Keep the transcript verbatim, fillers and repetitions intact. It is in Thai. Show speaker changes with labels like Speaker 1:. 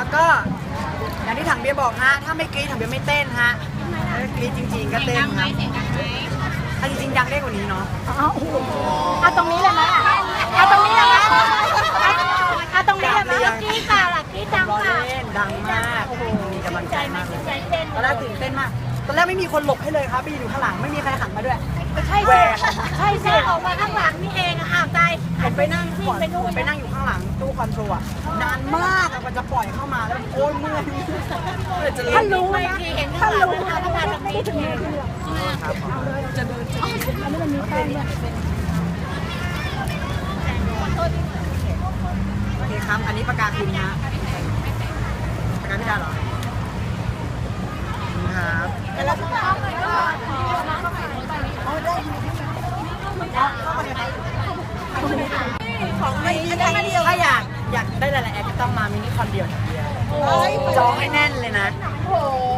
Speaker 1: แล้วก็อย่างที่ถังเบียร์บอกฮะถ้าไม่กรี๊ดถังเบียร์ไม่เต้นฮะถ้ากรี๊ดจริงๆก็เต้นครับถ้าจริงๆดังได้กว่านี้เนาะ
Speaker 2: เอาเอาตรงนี้เลยไหมเอาตรงนี้เลยไหมเอาตรงนี้เลยไหมกรี๊ดเปล่าล่ะกรี๊ดดังเปล่า
Speaker 1: เต้นดังมากมีกำลังใจมากเลย
Speaker 2: ใจเต้น
Speaker 1: ตอนแรกตื่นเต้นมากตอนแรกไม่มีคนหลบให้เลยครับไปอยู่ข้างหลังไม่มีใครหันมาด้วย
Speaker 2: ใช่สิใช่สิออกมาข้างหลังนี่เองอ้าวใจ
Speaker 1: ผมไปนั่ง
Speaker 2: วิ่
Speaker 1: ก่
Speaker 2: ง
Speaker 1: อน
Speaker 2: ไปนู่น
Speaker 1: ไปนั่งอยู่ข้างหลังตู้คอนโทรลอะนานมากอะกว่าจะปล่อยเข้ามาแล้วโอ้ยเมื่อยเมื่อยจะ
Speaker 2: ถ้า
Speaker 1: เล่น
Speaker 2: รู้นะถ้ารู้นะถ้ามาตรงนี้ถึงนี้
Speaker 1: ครับจะเดินอันนี้มันมีแป้งด้วยโอเคครับอันนี้ปากกาคุณนะปากกาพี่ดาเหรอครับแล้วก็เอาไปก็เอาได้ของไม่มีถ้าอยากอยากได้หลายๆแอปก็ต้องมามินิคอนเดียวเดียวจองให้แน่นเลยนะ